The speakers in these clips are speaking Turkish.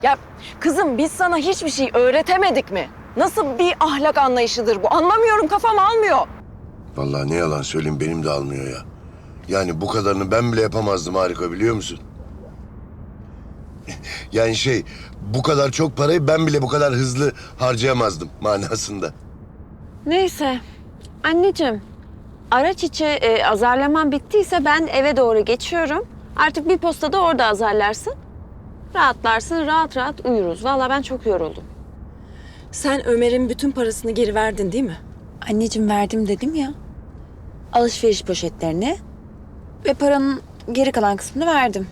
Ya kızım biz sana hiçbir şey öğretemedik mi? Nasıl bir ahlak anlayışıdır bu? Anlamıyorum, kafam almıyor. Vallahi ne yalan söyleyeyim benim de almıyor ya. Yani bu kadarını ben bile yapamazdım Harika, biliyor musun? Yani bu kadar çok parayı ben bile bu kadar hızlı harcayamazdım manasında. Neyse. Anneciğim, araç içi azarlaman bittiyse ben eve doğru geçiyorum. Artık bir postada orada azarlarsın. Rahatlarsın, rahat rahat uyuruz. Vallahi ben çok yoruldum. Sen Ömer'in bütün parasını geri verdin değil mi? Anneciğim verdim dedim ya. Alışveriş poşetlerini ve paranın geri kalan kısmını verdim.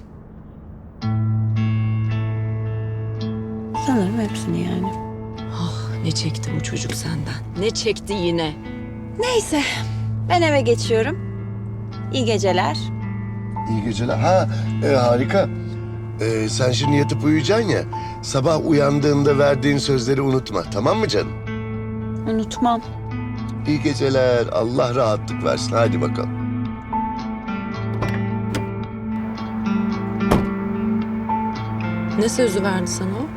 Sanırım hepsini yani. Ne çekti bu çocuk senden? Ne çekti yine? Neyse, ben eve geçiyorum. İyi geceler. İyi geceler. Harika. Sen şimdi yatıp uyuyacaksın ya. Sabah uyandığında verdiğin sözleri unutma, tamam mı canım? Unutmam. İyi geceler. Allah rahatlık versin. Hadi bakalım. Ne sözü verdi sana o?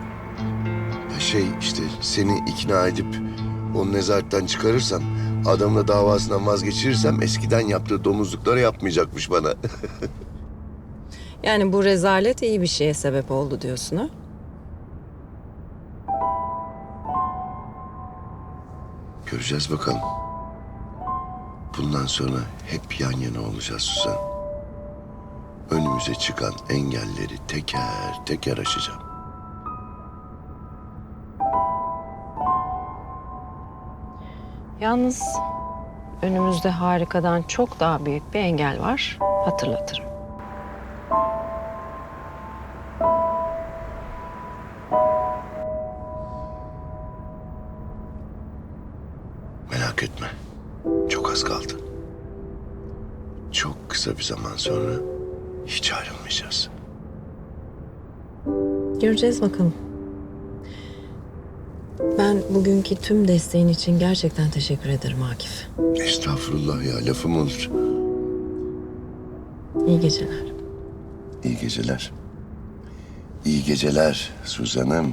Seni ikna edip onu nezaretten çıkarırsam, adamla davasından vazgeçirirsem eskiden yaptığı domuzlukları yapmayacakmış bana. Yani bu rezalet iyi bir şeye sebep oldu diyorsun ha? Göreceğiz bakalım. Bundan sonra hep yan yana olacağız Suzan. Önümüze çıkan engelleri teker teker aşacağım. Yalnız önümüzde Harika'dan çok daha büyük bir engel var. Hatırlatırım. Merak etme. Çok az kaldı. Çok kısa bir zaman sonra hiç ayrılmayacağız. Göreceğiz bakalım. Ben bugünkü tüm desteğin için gerçekten teşekkür ederim Akif. Estağfurullah ya, lafım olur. İyi geceler. İyi geceler. İyi geceler Suzan'ım.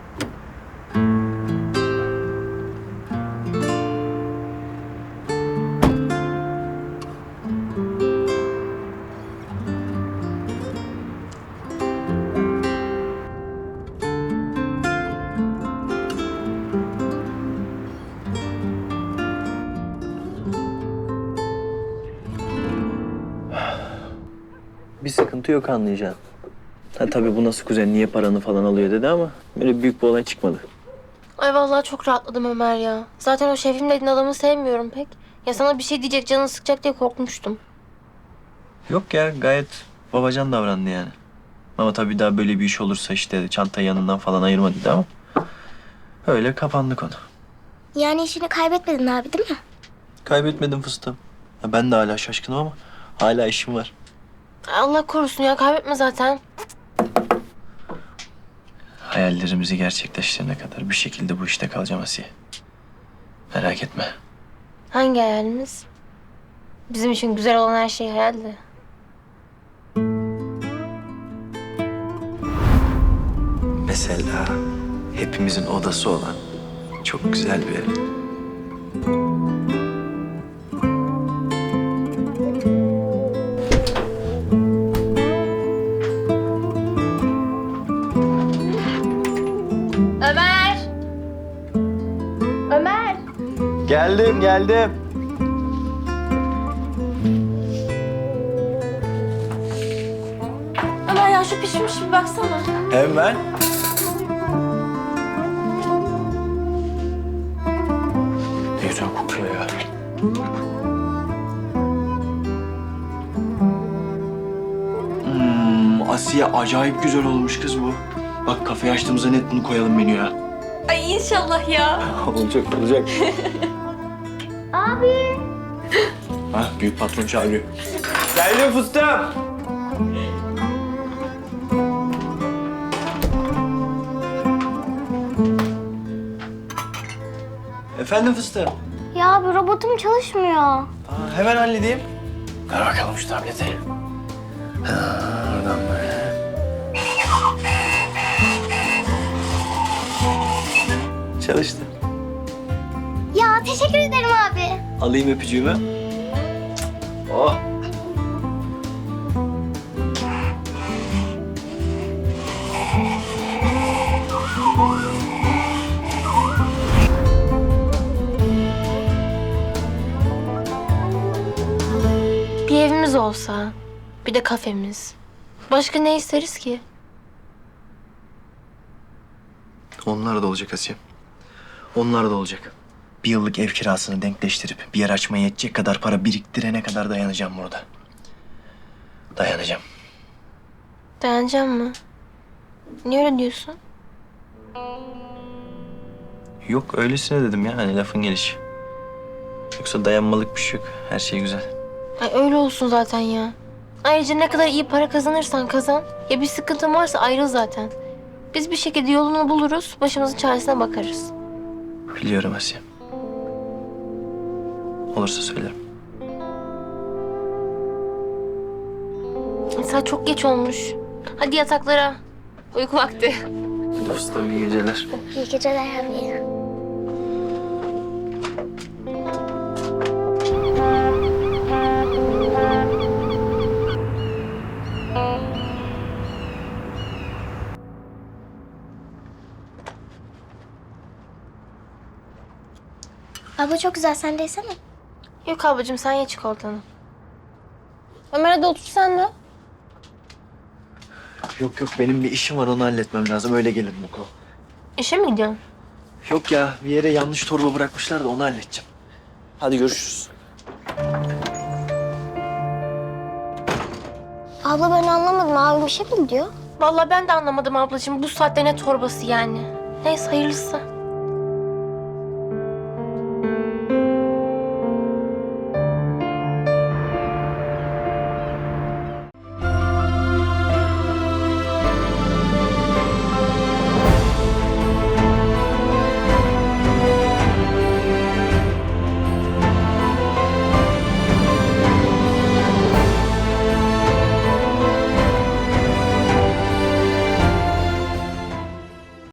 Bir sıkıntı yok, anlayacaksın. Tabii bu nasıl kuzen, niye paranı falan alıyor dedi ama böyle büyük bir olay çıkmadı. Ay vallahi çok rahatladım Ömer ya. Zaten o Şefim dediğin adamı sevmiyorum pek. Ya sana bir şey diyecek, canını sıkacak diye korkmuştum. Yok ya, gayet babacan davrandı yani. Ama tabii daha böyle bir iş olursa işte çantayı yanından falan ayırma dedi ama öyle kapandı konu. Yani işini kaybetmedin abi değil mi? Kaybetmedim fıstığım. Ya ben de hala şaşkınım ama hala işim var. Allah korusun ya, kaybetme zaten. Hayallerimizi gerçekleştirene kadar bir şekilde bu işte kalacağım Asiye. Merak etme. Hangi hayalimiz? Bizim için güzel olan her şey hayaldi. Mesela hepimizin odası olan çok güzel bir ev. Ömer! Ömer! Geldim. Ömer ya şu pişmiş bir baksana. Hemen. Ne güzel kokuyor ya. Asiye, acayip güzel olmuş kız bu. Bak kafeyi açtığımızda net bunu koyalım menüye. Ay inşallah ya. olacak. Abi! Ha, büyük patron çağırıyor. Geldim fıstığım. Efendim fıstığım. Ya abi robotum çalışmıyor. Hemen halledeyim. Ver bakalım şu tableti. Oradan böyle. Çalıştı. Ya teşekkür ederim abi. Alayım öpücüğümü. Oh. Bir evimiz olsa, bir de kafemiz. Başka ne isteriz ki? Onlar da olacak Asiye. Onlar da olacak. Bir yıllık ev kirasını denkleştirip bir yer açmaya yetecek kadar para biriktirene kadar dayanacağım burada. Dayanacağım. Dayanacağım mı? Niye öyle diyorsun? Yok öylesine dedim ya hani lafın gelişi. Yoksa dayanmalık bir şey yok. Her şey güzel. Ay öyle olsun zaten ya. Ayrıca ne kadar iyi para kazanırsan kazan. Ya bir sıkıntın varsa ayrıl zaten. Biz bir şekilde yolunu buluruz, başımızın çaresine bakarız. Biliyorum Asiye. Olursa söylerim. Saat çok geç olmuş. Hadi yataklara. Uyku vakti. Dostum iyi geceler. İyi geceler abi. Abla çok güzel, sen de yesene. Yok ablacığım sen ye çikolatanı. Ömer hadi otur sen de. Yok yok benim bir işim var onu halletmem lazım. Öyle gelirim okula. İşe mi gidiyorsun? Yok ya bir yere yanlış torba bırakmışlar da onu halledeceğim. Hadi görüşürüz. Abla ben anlamadım, abim bir şey mi diyor? Vallahi ben de anlamadım ablacığım. Bu saatte ne torbası yani? Neyse hayırlısı.